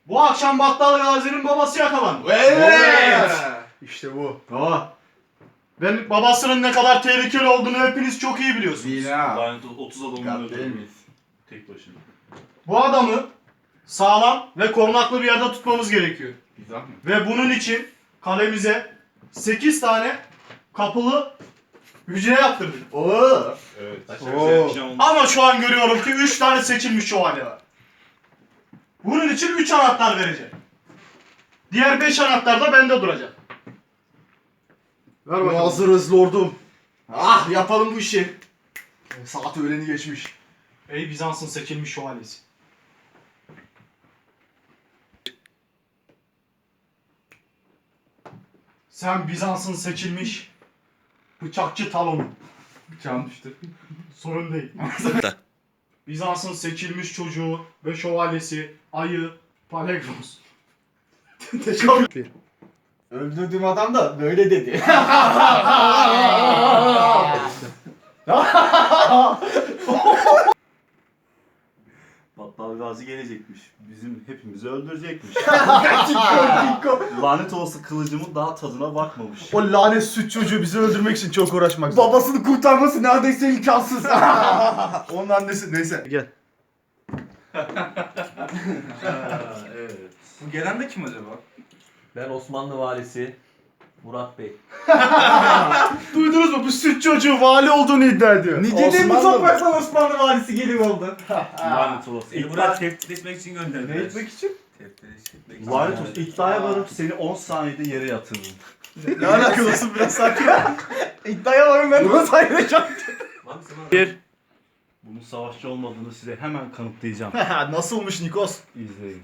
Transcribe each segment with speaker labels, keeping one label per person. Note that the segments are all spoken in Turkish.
Speaker 1: Bu akşam Battal Gazi'nin babası yakalandı.
Speaker 2: Evet. İşte bu.
Speaker 1: Ve babasının ne kadar tehlikeli olduğunu hepiniz çok iyi biliyorsunuz.
Speaker 2: Değil ha.
Speaker 3: Lanet 30 adamını
Speaker 2: Değil
Speaker 3: öldürdü.
Speaker 2: miyiz?
Speaker 3: Tek başına.
Speaker 1: Bu adamı sağlam ve korunaklı bir yerde tutmamız gerekiyor.
Speaker 2: Güzel mi?
Speaker 1: Ve bunun için kalemize 8 tane kapılı hücre yaptırdık.
Speaker 2: Oo.
Speaker 3: Evet.
Speaker 2: Oo.
Speaker 1: Ama şu an görüyorum ki 3 tane seçilmiş şövalye var. Bunun için 3 anahtar vereceğim. Diğer 5 anahtar da bende duracak.
Speaker 2: Ver bakalım. Hazırız lordum. Ah yapalım bu işi. Saat öğleni geçmiş.
Speaker 1: Ey Bizans'ın seçilmiş şövalyesi. Sen Bizans'ın seçilmiş bıçakçı Talon'un.
Speaker 2: Bıçağım düştü.
Speaker 1: Sorun değil. Bizans'ın seçilmiş çocuğu ve şövalyesi Ayı Palegros.
Speaker 2: Teşekkür. Öldürdüğüm adam da böyle dedi.
Speaker 3: Battal Gazi gelecekmiş. Bizim hepimizi öldürecekmiş.
Speaker 2: Dinko.
Speaker 3: Lanet olası kılıcımın daha tadına bakmamış.
Speaker 4: O lanet süt çocuğu bizi öldürmek için çok uğraşmak
Speaker 2: Babasını kurtarması neredeyse imkansız.
Speaker 4: Onun annesi neyse. Gel.
Speaker 3: Evet.
Speaker 2: Bu gelen de kim acaba?
Speaker 5: Ben Osmanlı valisi Murat Bey.
Speaker 4: Duydunuz mu? Bu süt çocuğu vali olduğunu iddia ediyor.
Speaker 2: Ne dedin bu
Speaker 4: Osmanlı mı?
Speaker 2: topraktan Osmanlı valisi geliyor oldu.
Speaker 3: Lanet olası.
Speaker 5: Seni buraya tehdit etmek için gönderdiler.
Speaker 2: Ne etmek için?
Speaker 5: Tehdit etmek için.
Speaker 3: Lanet olası. İddiaya varıp seni 10 saniyede yere yatırırım.
Speaker 4: Ne alakası biraz sakin.
Speaker 2: İddiaya varım ben bunu sayacağım.
Speaker 5: Bir.
Speaker 3: Bunun savaşçı olmadığını size hemen kanıtlayacağım.
Speaker 4: Nasılmış Nikos?
Speaker 3: İzleyin.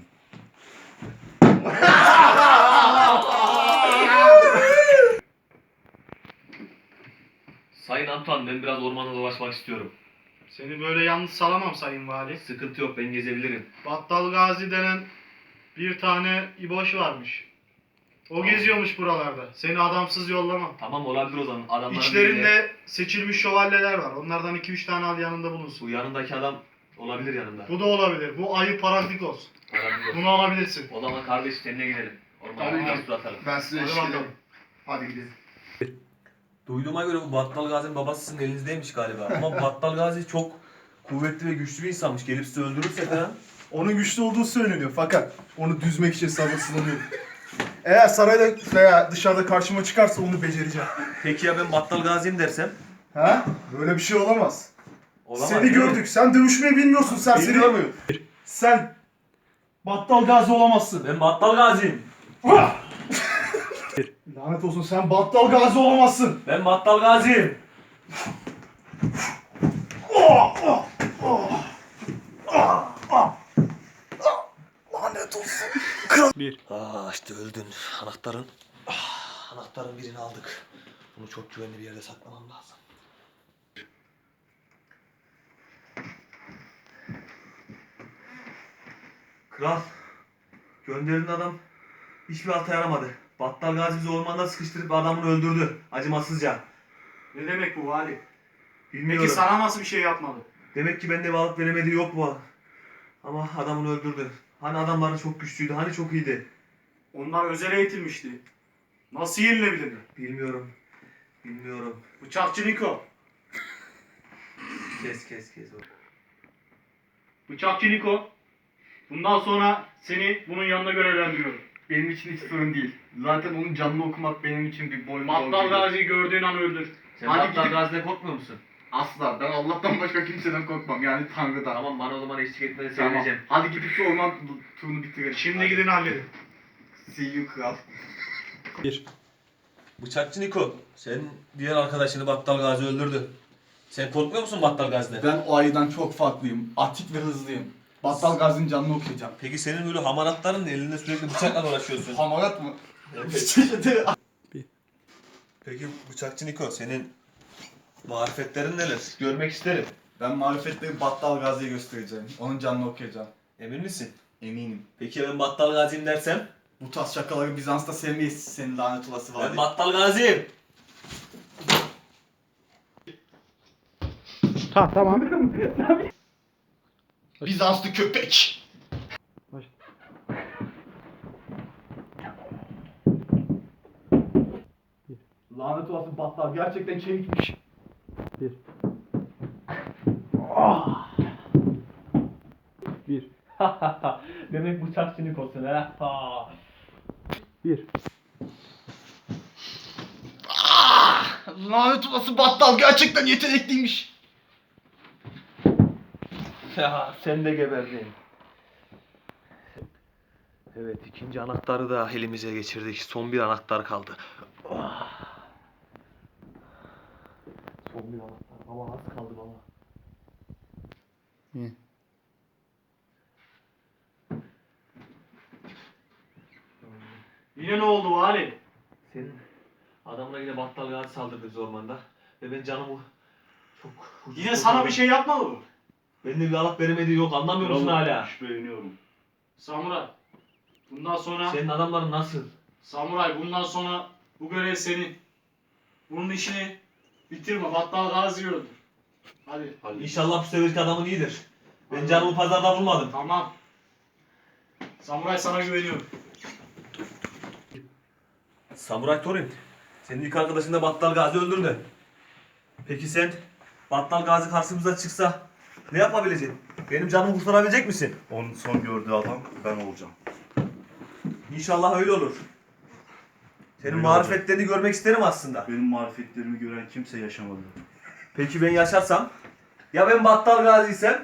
Speaker 5: Sayın Antoine, ben biraz ormanda dolaşmak istiyorum.
Speaker 1: Seni böyle yalnız salamam sayın vali.
Speaker 5: Sıkıntı yok, ben gezebilirim.
Speaker 1: Battal Gazi denen bir tane İboş varmış. O geziyormuş buralarda. Seni adamsız yollamam.
Speaker 5: Tamam, olabilir o zaman. Adamların birine-
Speaker 1: İçlerinde seçilmiş şövalyeler var. Onlardan 2-3 tane al yanında bulunsun.
Speaker 5: Bu yanındaki adam olabilir yanında.
Speaker 1: Bu da olabilir. Bu Ayı Paraklikos.
Speaker 5: Olabilir.
Speaker 1: Bunu alabilirsin.
Speaker 5: O zaman kardeş seninle gidelim. Ormana
Speaker 1: Tabii.
Speaker 5: biraz tur atalım.
Speaker 2: Ben size
Speaker 1: Hadi
Speaker 2: eşlik
Speaker 1: bakalım.
Speaker 2: ederim. Hadi gidelim.
Speaker 5: Duyduğuma göre bu Battal Gazi'nin babası sizin elinizdeymiş galiba. Ama Battal Gazi çok kuvvetli ve güçlü bir insanmış. Gelip sizi öldürürse falan.
Speaker 4: Onun güçlü olduğu söyleniyor fakat onu düzmek için sabırsızlanıyorum. Eğer sarayda veya dışarıda karşıma çıkarsa onu becereceğim.
Speaker 5: Peki ya ben Battal Gazi'yim dersem?
Speaker 4: Ha? Böyle bir şey olamaz.
Speaker 5: Olamaz,
Speaker 4: Seni
Speaker 5: değil mi?
Speaker 4: gördük. Sen dövüşmeyi bilmiyorsun serseri.
Speaker 5: Bilmiyor muyum?
Speaker 4: Sen Battal Gazi olamazsın.
Speaker 5: Ben Battal Gazi'yim.
Speaker 4: Lanet olsun sen Battal Gazi olamazsın.
Speaker 5: Ben Battal Gazi'yim.
Speaker 4: Lanet olsun.
Speaker 5: İşte öldün. Anahtarın birini aldık. Bunu çok güvenli bir yerde saklamam lazım. Kral, gönderilen adam hiçbir hata yaramadı. Battal Gazi bizi ormanda sıkıştırıp adamını öldürdü. Acımasızca.
Speaker 1: Ne demek bu vali?
Speaker 5: Bilmiyorum.
Speaker 1: Peki sana nasıl bir şey yapmadı?
Speaker 5: Demek ki bende bir alıp veremediği yok bu. Ama adamını öldürdü. Hani adamları çok güçlüydü, hani çok iyiydi.
Speaker 1: Onlar özel eğitilmişti. Nasıl yenilebilirdi?
Speaker 5: Bilmiyorum. Bilmiyorum.
Speaker 1: Bıçakçı Niko.
Speaker 5: Kes.
Speaker 1: Bıçakçı Niko. Bundan sonra seni bunun yanında görevlendiriyorum.
Speaker 2: Benim için hiç sorun değil. Zaten onun canını okumak benim için bir boynum
Speaker 1: Battal Gazi'yi gördüğün an öldür.
Speaker 5: Sen
Speaker 2: Hadi
Speaker 5: Battal
Speaker 2: gidip-
Speaker 5: Gazi'den korkmuyor musun?
Speaker 2: Asla. Ben Allah'tan başka kimseden korkmam. Yani Tanrı'dan.
Speaker 5: Tamam, bana o zaman eşlik etmeni
Speaker 2: Tamam.
Speaker 5: söyleyeceğim.
Speaker 2: Hadi gidip şu orman turunu bitirelim.
Speaker 1: Şimdi
Speaker 2: Hadi.
Speaker 1: gidin halledin.
Speaker 2: See you kral.
Speaker 5: Bıçakçı Niko, sen diğer arkadaşını Battal Gazi öldürdü. Sen korkmuyor musun Battal Gazi'den?
Speaker 2: Ben o ayıdan çok farklıyım. Atik ve hızlıyım. Battal Gazi'nin canını okuyacağım.
Speaker 5: Peki senin böyle hamaratların ne? Elinde sürekli bıçakla dolaşıyorsun.
Speaker 2: Hamarat mı?
Speaker 5: Peki Bıçakçı Niko, senin marifetlerin neler? Görmek isterim.
Speaker 2: Ben marifetleri Battal Gazi'ye göstereceğim. Onun canını okuyacağım.
Speaker 5: Emin misin?
Speaker 2: Eminim.
Speaker 5: Peki ya ben Battal Gazi'yim dersem?
Speaker 2: Bu tarz şakaları Bizans'ta sevmeyiz. Senin lanet olası var.
Speaker 5: Ben Battal Gazi'yim.
Speaker 2: Bizanslı köpek.
Speaker 4: Lanet olası battal gerçekten çevikmiş.
Speaker 5: Demek bıçak sinik olsun ha.
Speaker 2: Lanet olası battal gerçekten yetenekliymiş.
Speaker 5: Ya sen de geberdin. Evet, ikinci anahtarı da elimize geçirdik. Son bir anahtar kaldı. Son bir anahtar. Baba az kaldı baba.
Speaker 1: Yine ne oldu vali?
Speaker 5: Senin adamla yine Battal Gazi saldırdı biz ormanda. Ve ben canımı çok...
Speaker 1: Yine sana bir şey yapmadı mı?
Speaker 5: Bende bir alıp veremediği yok, anlamıyor musun hala?
Speaker 3: Şüpheleniyorum.
Speaker 1: Samuray. Bundan sonra
Speaker 5: Senin adamların nasıl?
Speaker 1: Samuray bundan sonra bu görev senin. Bunun işini bitirme. Battal Gazi'yi öldür. Hadi.
Speaker 5: İnşallah bu seferki adamın iyidir. Ben canımı pazarda bulmadım.
Speaker 1: Tamam. Samuray sana güveniyorum.
Speaker 5: Samuray Torin, senin ilk arkadaşın da Battal Gazi öldürdü. Peki sen Battal Gazi karşımıza çıksa ne yapabileceksin? Benim canımı kurtarabilecek misin?
Speaker 3: Onun son gördüğü adam ben olacağım.
Speaker 5: İnşallah öyle olur. Senin
Speaker 3: Öyle
Speaker 5: marifetlerini görmek isterim aslında.
Speaker 3: Benim marifetlerimi gören kimse yaşamadı.
Speaker 5: Peki ben yaşarsam? Ya ben Battal Gazi'ysem?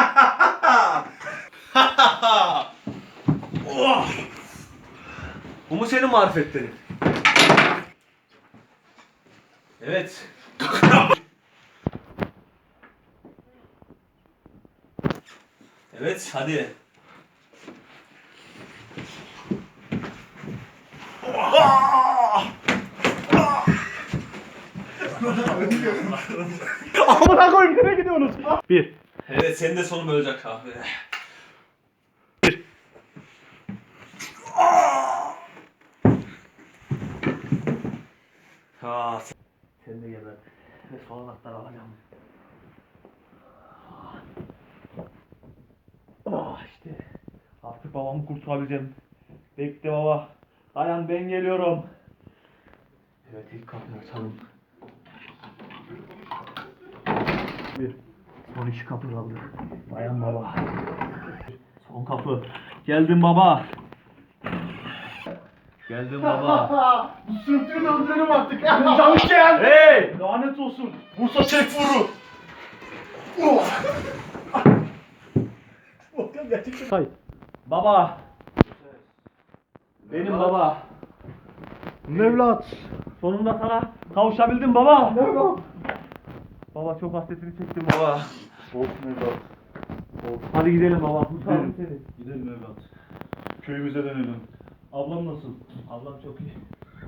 Speaker 5: Oh! Bu mu senin marifetlerin? Evet. Evet, hadi.
Speaker 1: Amına koyayım nereye gidiyorsunuz?
Speaker 5: Evet, senin de sonun olacak abi. Ha, sen de geber. Ve son anahtarı alacağım. İşte. Artık babamı kurtarabileceğim. Bekle baba. Dayan ben geliyorum. Evet, ilk kapıyı açalım. Son iki kapı kaldı. Dayan baba. Son kapı. Geldim baba. Geldim baba.
Speaker 1: Bu sürtüğünü öldürelim artık. Çalışken.
Speaker 5: Hey!
Speaker 1: Lanet olsun. Bursa çek vuru.
Speaker 5: Baba. Benim baba.
Speaker 1: Mevlat.
Speaker 5: Sonunda sana kavuşabildim baba. Baba çok hasretini çektim baba.
Speaker 3: Olsun evlat.
Speaker 5: Hadi gidelim baba. Kurtardım seni.
Speaker 3: Gidelim evlat. Köyümüze dönelim.
Speaker 5: Ablam nasıl? Ablam çok iyi.